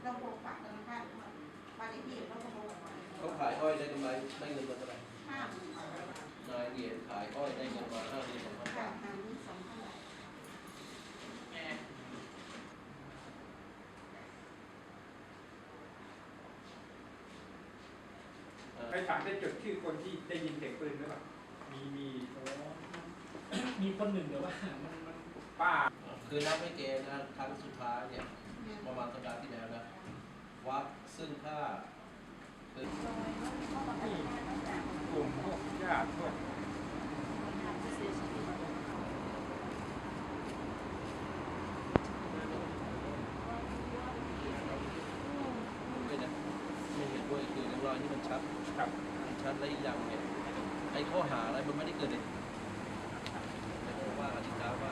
ต้องโกงฝากธนาคารบ้านเลขที่ต้องโกงเขาขายอ้อยได้กำไรได้เงินมาเท่าไหร่ 50,000 นายเดียขายอ้อยได้เงินมา52,000 บาท 52,000 บาทไปถามได้จดชื่อคนที่ได้ยินเสียงปืนหรือเปล่ามีคนหนึ่งเดี๋ยวว่ามันป้าคือนับไม่เกณฑ์นะครั้งสุดท้ายเนี่ยประมาณสัปดาห์ที่แล้วนะวัดซึ่งถ้าคือกลุ่มพวกญาติพวกไม่เห็นด้วยคือในรอยที่มันชัดและอีกอย่างเนี่ยไอ้ข้อหาอะไรมันไม่ได้เกิดเลยแต่ว่าอธิการว่า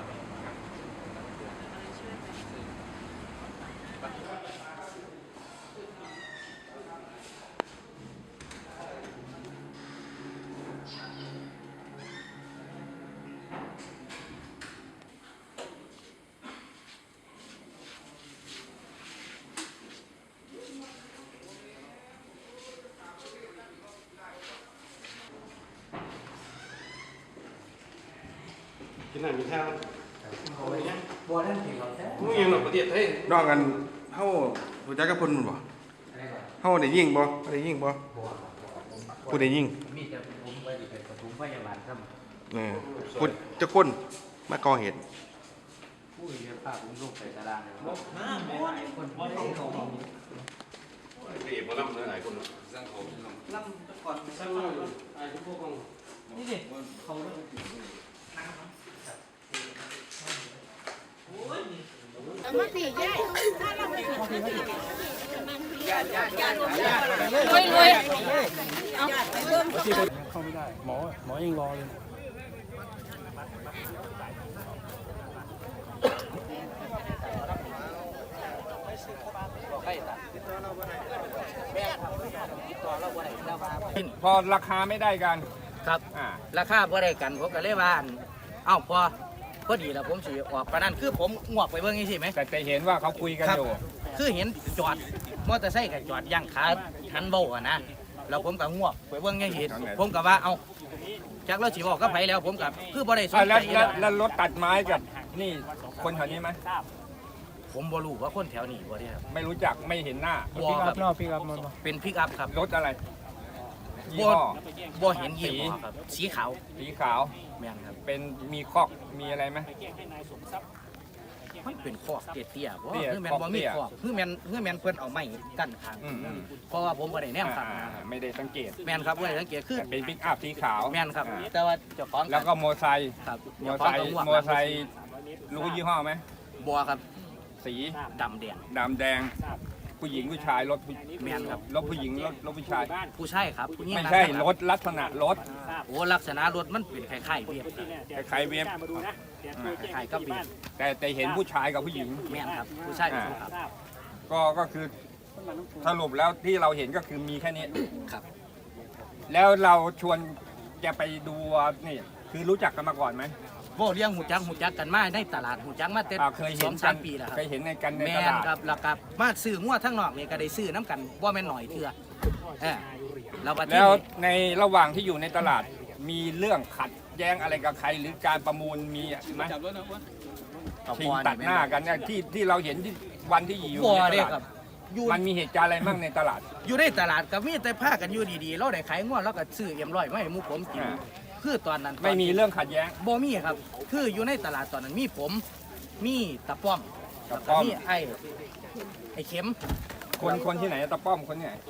กินอาหารมีข้าวบัวท่านผิดหรอแท้มึงยังหลับประเทศเฮ้ยนอกกันเฮารู้จักกับเพิ่นบ่เฮาได้ยิงบ่ได้ยิงบ่ผู้ได้ยิงมีแต่ผมไปดิเป็นปฐมพยาบาลครับผู้จะคนมาก่อเหตุผู้เรียนภาพผมลูกใส่ตารางเลยว่าคนไม่ได้ของนี่บ่ลำหลายคนสร้างเขาล่ำก่อนสร้างไอ้พวกของนี่ดิเขามาสิยายถ้าเราไม่ผิดรวยเอาเริ่มเข้าไม่ได้หมอยังรอเลยพอราคาไม่ได้กันครับราคาบ่ได้กันผมก็เลยว่าเอ้าพอดีแล้วผมสิออกปานนั้นคือผมงวกไปเบิ่งจังซี่ไหมแต่เห็นว่าเขาคุยกันอยู่คือเห็นจอดมอเตอร์ไซค์ก็จอดย่างขาหันเบาอะนะแล้วผมก็งวกไปเบิ่งจังซี่ผมก็ว่าเอ้าจักเราสิบอกกับไผแล้วผมก็คือบ่ได้สนใจแล้วรถตัดไม้กับนี่คนแถวนี้ไหมผมบ่รู้ว่าคนแถวนี้บ่ได้ครับไม่รู้จักไม่เห็นหน้าบ่ครับพี่ครับเป็นพิกอัพครับรถอะไรยี่บ่ห้อบ่เห็นยี่ห้อครับสีขาวสีขาวแม่นครับเป็นมีคอกมีอะไรไหมมันเป็นคอกเตี้ยๆบ่เตี้ยคือแม่นบ่มีคอกเตี้ยคอกคือแม่นเพิ่นเอาไม้กั้นข้างอืมเพราะว่าผมบ่ได้แนมข้างหน้าครับไม่ได้สังเกตแม่นครับบ่ได้สังเกตคือแต่เป็นปิกอัพสีขาวแม่นครับอ่าแต่ว่าเจ้าของแล้วก็โมอไซค์ครับโมอไซค์รู้ยี่ห้อไหมบ่ครับสีดำแดงดำแดงผู้หญิงผู้ชายรถแม่นครับรถผู้หญิงรถผู้ชายผู้ชายครับผู้หญิงไม่ใช่นั่งรถลักษณะรถโอ้ลักษณะรถมันเป็นคล้ายๆเวียบครับคล้ายๆเวฟคล้ายๆกับเวียบแต่เห็นผู้ชายกับผู้หญิงแม่นครับผู้ชายกับผู้ครับก็คือสรุปแล้วที่เราเห็นก็คือมีแค่นี้ครับแล้วเราชวนแกไปดูนี่คือรู้จักกันมาก่อนไหมบ่เลี้ยงหูจักกันมาในตลาดหูจักมาแต่เคยเห็น 2-3 ปีแล้วครับเคยเห็นในกันในแม่ตนลาดครับแล้วก็มาซื้องัวทั้งนอกนี่ก็ได้ซื้อน้ำกันบ่แม่นหน่อยเทื่อแล้วบัดนี้แล้วในระหว่างที่อยู่ในตลาดมีเรื่องขัดแย้งอะไรกับใครหรือการประมูลมีไหมชิงตัดหน้ากันเนี่ยที่เราเห็นที่วันที่อยู่บ่ในตเด้ลาดครับอยู่มันมีเหตุการณ์อะไรบ้างในตลาดอยู่ในตลาดก็มีแต่พากันอยู่ดีๆเราได้ขายงัวเราก็ซื้อเอ็มร้อยมาให้หมู่ผมกินอ่าคือตอนนั้นไม่มีเรื่องขัดแย้งบ่มีครับ คืออยู่ในตลาดตอนนั้นมีผมมีตะป้อมตะป้อมแล้วก็มีไอ้เข็มคนที่ไหนตะป้อมคนที่ไหน